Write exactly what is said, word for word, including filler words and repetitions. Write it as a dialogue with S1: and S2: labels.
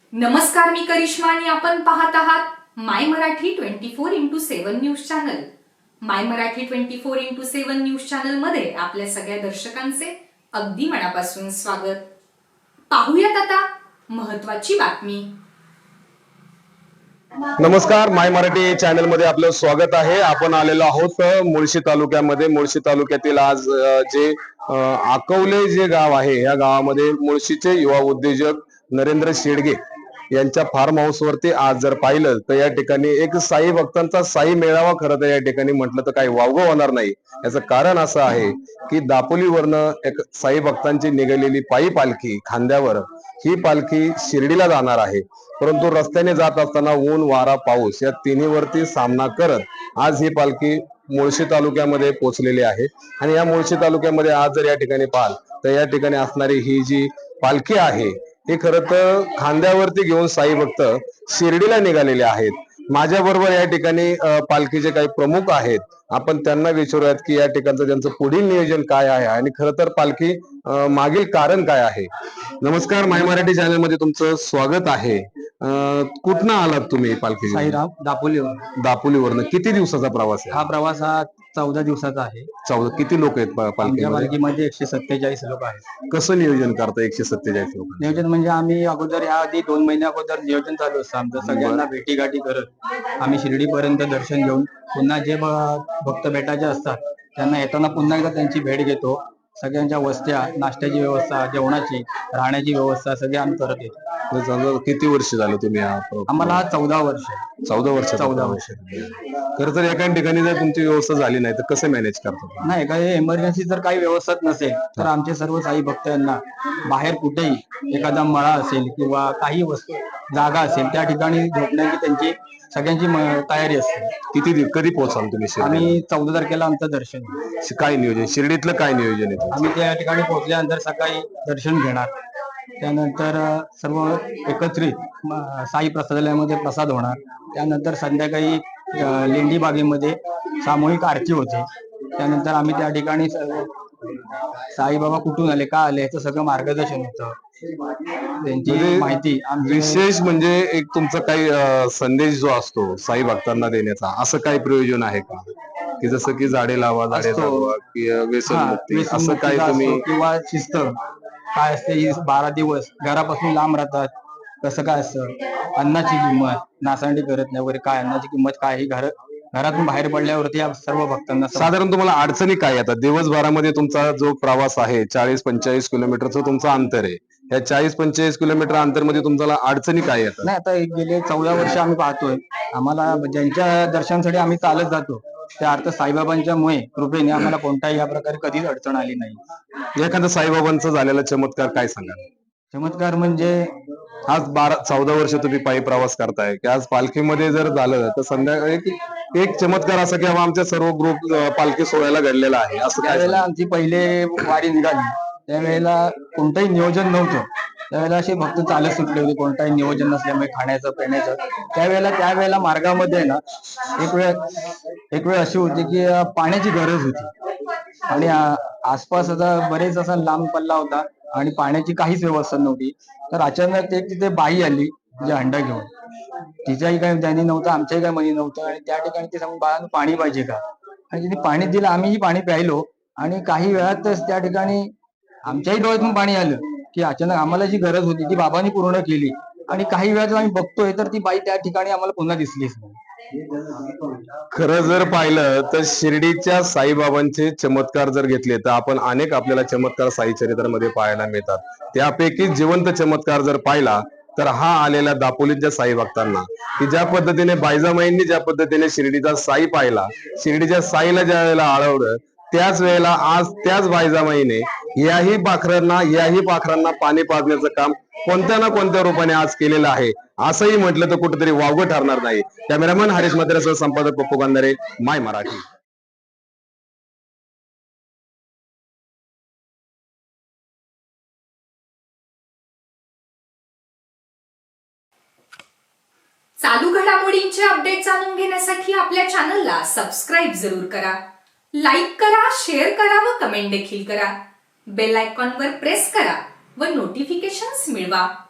S1: नमस्कार, मी करिश्मा आणि आपण पाहत आहात my Marathi twenty four into seven news channel. My Marathi twenty four into seven news channel मध्ये आपल्या सगळ्या दर्शकांचे अगदी मनापासून स्वागत. पाहूयात आता महत्वाची बातमी.
S2: नमस्कार, माय मराठी चॅनल मध्ये आपलं स्वागत आहे. आपण आलेलो आहोत मुळशी तालुक्यामध्ये. मुळशी तालुक्यातील आज जे आकवले जे गाव आहे, या गावामध्ये मुळशीचे युवा उद्योजक नरेंद्र शेडगे यांच्या फार्म हाऊस वरती आज जर पाहिलं तर या ठिकाणी एक साई भक्तांचा साई मेळावा खरं तर या ठिकाणी म्हटलं तर काही वावगं होणार नाही. याचं कारण असं आहे की दापोलीवरनं एक साई भक्तांची निघालेली पायी पालखी खांद्यावर ही पालखी शिर्डीला जाणार आहे. परंतु रस्त्याने जात असताना ऊन वारा पाऊस या तिन्हीवरती सामना करत आज ही पालखी मुळशी तालुक्यामध्ये पोहोचलेली आहे. आणि या मुळशी तालुक्यामध्ये आज जर या ठिकाणी पाहाल तर या ठिकाणी असणारी ही जी पालखी आहे हे खरं तर खांद्यावरती घेऊन साई भक्त शिर्डीला निघालेले आहेत. माझ्या बरोबर या ठिकाणी पालखीचे काही प्रमुख आहेत. आपण त्यांना विचारूयात की या ठिकाणचं त्यांचं पुढील नियोजन काय आहे आणि खरं तर पालखी मागील कारण काय आहे. नमस्कार, माय मराठी चॅनल मध्ये तुमचं स्वागत आहे. कुठनं आलात तुम्ही पालखी?
S3: साईराम, दापोलीवर.
S2: दापोलीवरनं. किती दिवसाचा प्रवास आहे
S3: हा प्रवास हा चौदा दिवसाचा आहे.
S2: चौदा. किती लोक आहेत
S3: आमच्या
S2: पालखीमध्ये?
S3: पालखीमध्ये एकशे सत्तेचाळीस लोक आहेत.
S2: कसं नियोजन करता एकशे सत्तेचाळीस लोक?
S3: नियोजन म्हणजे आम्ही अगोदर या आधी दोन महिन्या अगोदर नियोजन चालू असतं आमचं. सगळ्यांना भेटी गाठी करत आम्ही शिर्डीपर्यंत दर्शन घेऊन पुन्हा जे भक्त भेटायचे असतात त्यांना येताना पुन्हा एकदा त्यांची भेट घेतो. सगळ्यांच्या वस्त्या, नाश्त्याची व्यवस्था, जेवणाची, राहण्याची व्यवस्था सगळी आम्ही करत येतो.
S2: किती वर्ष झालं तुम्ही?
S3: आम्हाला चौदा वर्ष
S2: चौदा वर्ष
S3: चौदा वर्ष
S2: खरं तर एका ठिकाणी जर तुमची व्यवस्था झाली नाही तर कसं मॅनेज करतो?
S3: नाही, काही इमर्जन्सी जर काही व्यवस्था नसेल तर आमचे सर्व साई भक्तांना बाहेर कुठेही एखादा मळा असेल किंवा काही वस्तू जागा असेल त्या ठिकाणी झोपण्याची त्यांची सगळ्यांची तयारी असते.
S2: किती कधी पोहोचाल तुम्ही?
S3: आम्ही चौदा तारखेला आमचं दर्शन.
S2: काय नियोजन शिर्डीतलं काय नियोजन आहे?
S3: आम्ही त्या ठिकाणी पोहोचल्यानंतर सकाळी दर्शन घेणार. त्यानंतर सर्व एकत्रित साई प्रसादालयामध्ये प्रसाद होणार. त्यानंतर संध्याकाळी लेंडी बागेमध्ये सामूहिक आरती होते. त्यानंतर आम्ही त्या ठिकाणी साईबाबा कुठून आले, का आले याचं सगळं मार्गदर्शन होतं. त्यांची माहिती.
S2: विशेष म्हणजे एक तुमचा काही संदेश जो असतो साई भक्तांना देण्याचा, असं काही प्रयोजन आहे का? की जसं की झाडे लावा, झाडे जगवा, की व्यसनमुक्ती, असं काही तुम्ही?
S3: किंवा शिस्त काय असते, ही बारा दिवस घरापासून लांब राहतात, कसं काय असतं, अन्नाची किंमत, नासांडी करत नाही वगैरे, काय अन्नाची किंमत काय, ही घर घरातून बाहेर पडल्यावरती या सर्व भक्तांना.
S2: साधारण तुम्हाला अडचणी काय येतात दिवसभरामध्ये? तुमचा जो प्रवास आहे चाळीस पंचेचाळीस किलोमीटरचं तुमचं अंतर आहे. या चाळीस पंचेचाळीस किलोमीटर अंतर मध्ये तुमच्याला अडचणी काय येतात?
S3: नाही, आता गेले चौदा वर्ष आम्ही पाहतोय. आम्हाला ज्यांच्या दर्शनासाठी आम्ही चालत जातो त्या अर्थ साईबाबांच्या मुळे कृपेने आम्हाला कोणताही या प्रकारे कधीच अडचण आली नाही.
S2: एखादा साईबाबांचा झालेला चमत्कार काय सांगा?
S3: चमत्कार म्हणजे
S2: आज बारा चौदा वर्ष तुम्ही पायी प्रवास करताय की आज पालखीमध्ये जर झालं तर संध्याकाळी एक चमत्कार असा की आमच्या सर्व ग्रुप पालखी सोहळ्याला घडलेला आहे असं?
S3: त्यावेळेला आमची पहिले वारी निघाली त्यावेळेला कोणतंही नियोजन नव्हतं. त्यावेळेला असे भक्त चालत सुटले होते, कोणताही नियोजन नसल्यामुळे खाण्याचं पिण्याचं. त्यावेळेला त्यावेळेला मार्गामध्ये ना एक वेळ एक वेळ अशी होती की पाण्याची गरज होती आणि आसपास आता बरेच असा लांब पल्ला होता आणि पाण्याची काहीच व्यवस्था नव्हती. तर अचानक एक तिथे बाई आली जे हंडा घेऊन. तिच्याही काही ध्यानी नव्हतं, आमच्याही काही मनी नव्हतं आणि त्या ठिकाणी ते सांगून बाळांनो पाणी पाहिजे का, आणि तिने पाणी दिलं. आम्हीही पाणी प्यायलो आणि काही वेळातच त्या ठिकाणी आमच्याही डोळ्यातून पाणी आलं की अचानक आम्हाला जी गरज होती ती बाबांनी पूर्ण केली. आणि काही वेळात आम्ही बघतोय तर ती बाई त्या ठिकाणी आम्हाला पुन्हा दिसलीच नाही.
S2: खरं जर पाहिलं तर शिर्डीच्या साईबाबांचे चमत्कार जर घेतले तर आपण अनेक आपल्याला चमत्कार साई चरित्रामध्ये पाहायला मिळतात. त्यापैकी जिवंत चमत्कार जर पाहिला तर हा आलेल्या दापोलीच्या साई भक्तांना की ज्या पद्धतीने बायजामाईंनी ज्या पद्धतीने शिर्डीचा साई पाहिला, शिर्डीच्या साईला ज्या वेळेला आळवलं त्याच वेळेला आज त्याच बायजामाईने याही पाखरांना याही पाखरांना पाणी पाजण्याचं काम कोणत्या ना कोणत्या रूपाने आज केलेलं आहे. असंही म्हटलं तर कुठेतरी वावगं ठरणार नाही. कॅमेरामन हरीश मद्रेसह संपादक पप्पू गांधारे, माय मराठी.
S1: चालू घडामोडींचे अपडेट जाणून घेण्यासाठी आपल्या चॅनलला सबस्क्राईब जरूर करा, लाईक करा, शेअर करा व कमेंट देखील करा. बेल आयकॉनवर प्रेस करा व नोटिफिकेशन्स मिळवा.